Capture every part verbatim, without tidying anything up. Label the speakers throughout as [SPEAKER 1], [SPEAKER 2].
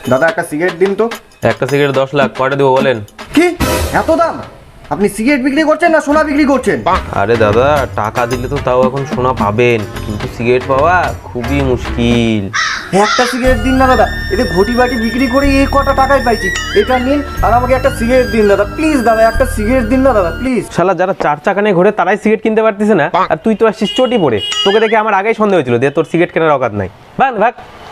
[SPEAKER 1] দাদা একটা সিগারেট দিন তো।
[SPEAKER 2] একটা সিগারেট দশ লাখ, কয়টা দেবো বলেন?
[SPEAKER 1] কি এত দাম? আপনি সিগারেট বিক্রি করছেন না সোনা বিক্রি করছেন?
[SPEAKER 2] আরে দাদা, টাকা দিলে তো তাও এখন সোনা পাবেন, কিন্তু সিগারেট পাওয়া খুবই মুশকিল।
[SPEAKER 1] একটা সিগারেট দিন না দাদা, এতে ঘটি বাটি বিক্রি করে এই কটা টাকায় পাইছি। এটা নিন আর আমাকে একটা সিগারেট দিন দাদা, প্লিজ দাদা একটা সিগারেট দিন না দাদা প্লিজ।
[SPEAKER 2] শালা যারা চার চাকা নিয়ে ঘোরে তারাই সিগারেট কিনতে পারতেছে না, আর তুই তো আসছিস চটি পড়ে। তোকে দেখে আমার আগেই সন্দেহ হয়েছিল যে তোর সিগারেট কেনার অকাত নাই। ভাগ ভাগ।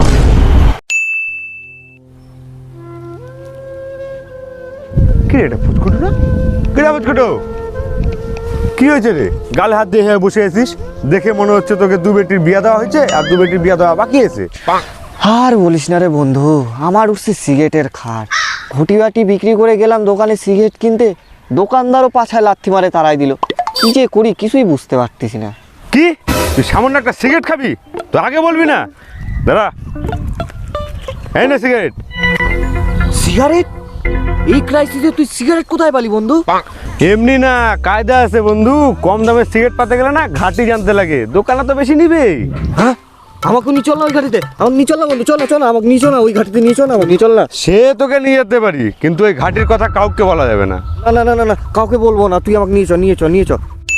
[SPEAKER 3] কি রে এটা ফুটকুটো না? কি রে ফুটকুটো? কি হয়েছে রে? গালে হাত দিয়ে হ্যাঁ বসে আছিস, দেখে মনে হচ্ছে তোকে দু বেটির বিয়া দেওয়া হয়েছে আর দু বেটির বিয়া দেওয়া বাকি আছে।
[SPEAKER 1] আর বলিস না রে বন্ধু, আমার উঠছে সিগারেটের খাট। ঘটি বাটি বিক্রি করে গেলাম দোকানে সিগারেট কিনতে, দোকানদারও পাছায় লাথি মারে তাড়াই দিল। কি যে করি কিছুই বুঝতে পারতেছি না।
[SPEAKER 3] কি তুই সামান্য একটা সিগারেট খাবি? তো আগে বলবি না? দাদা এই না সিগারেট।
[SPEAKER 1] সিগারেট? এই ক্রাইসিসে তুই সিগারেট কোথায় পালি বন্ধু?
[SPEAKER 3] এমনি না, কায়দা আছে বন্ধু। কম দামে সিগারেট পাতে গেলে না ঘাটি জানতে লাগে, দোকানে তো বেশি নিবে।
[SPEAKER 1] হ্যাঁ আমাকে নিয়ে চল না ওই ঘাটিতে, আমাকে নিয়ে চল না বন্ধু, চল না চল না, আমাকে নিয়ে চল না ওই ঘাটিতে, নিয়ে চল না, আমাকে নিয়ে চল না।
[SPEAKER 3] সে তোকে নিয়ে যেতে পারি, কিন্তু ওই ঘাটির কথা কাউকে বলা যাবে না।
[SPEAKER 1] না না না না না কাউকে বলবো না, তুই আমাকে নিয়ে চ নিয়ে চ নিয়ে চ।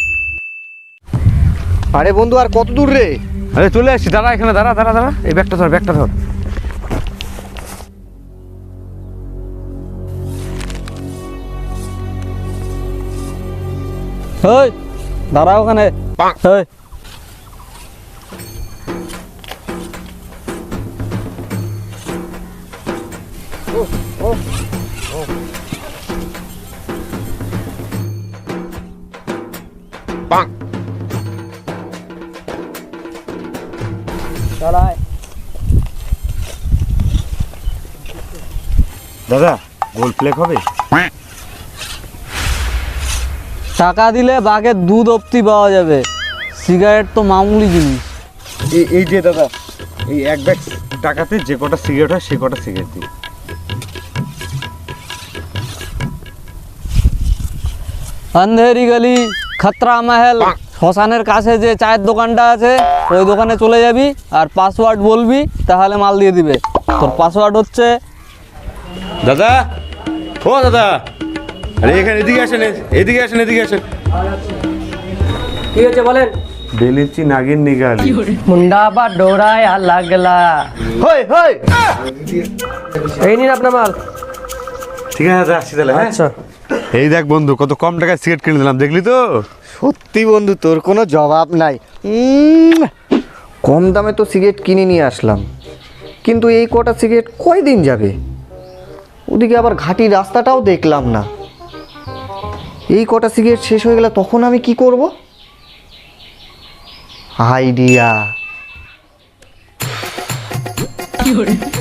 [SPEAKER 1] আরে বন্ধু আর কত দূর রে?
[SPEAKER 3] আরে চলে আসছি, দাঁড়া এখানে, দাঁড়া দাঁড়া দাঁড়া, এই ব্যাগটা ধর, ব্যাগটা ধর।
[SPEAKER 4] ওই দাঁড়া ওখানে। ওই
[SPEAKER 3] দাদা গোল প্লেক হবে?
[SPEAKER 4] টাকা দিলে বাঘের দুধ অব্দি পাওয়া যাবে, সিগারেট তো মামুলি জিনিস।
[SPEAKER 3] এই এই যে দাদা, এই এক ব্যাগ টাকাতে যে কটা সিগারেট হয় সে কটা সিগারেট দিই।
[SPEAKER 4] আন্ধেরি গলি খতরা মহল শ্মশানের কাছে যে চায়ের দোকানটা আছে ওই দোকানে চলে যাবি আর পাসওয়ার্ড বলবি, তাহলে মাল দিয়ে দিবে। তোর পাসওয়ার্ড হচ্ছে
[SPEAKER 3] দাদা, ও দাদা, আরে এখানে এদিকে আসেন, এদিকে আসেন, এদিকে আসেন।
[SPEAKER 5] কি হয়েছে বলেন?
[SPEAKER 3] বেলিচি নাগিন নিগালি।
[SPEAKER 5] মুন্ডা বা ডোরায় আর লাগলা।
[SPEAKER 1] হই হই
[SPEAKER 5] এই নিন আপনার মাল।
[SPEAKER 3] ঠিক আছে দাদা, আসছি তাহলে। হ্যাঁ
[SPEAKER 5] আচ্ছা
[SPEAKER 3] এই দেখ বন্ধু, কত কম টাকায় সিগারেট কিনে দিলাম, দেখলি তো?
[SPEAKER 1] সত্যি বন্ধু তোর কোনো জবাব নাই। উম, কম দামে তো সিগারেট কিনে নিয়ে আসলাম, কিন্তু এই কটা সিগারেট কয়দিন যাবে? ওদিকে আবার ঘাটির রাস্তাটাও দেখলাম না। এই কটা সিগারেট শেষ হয়ে গেলে তখন আমি কি করব? আইডিয়া।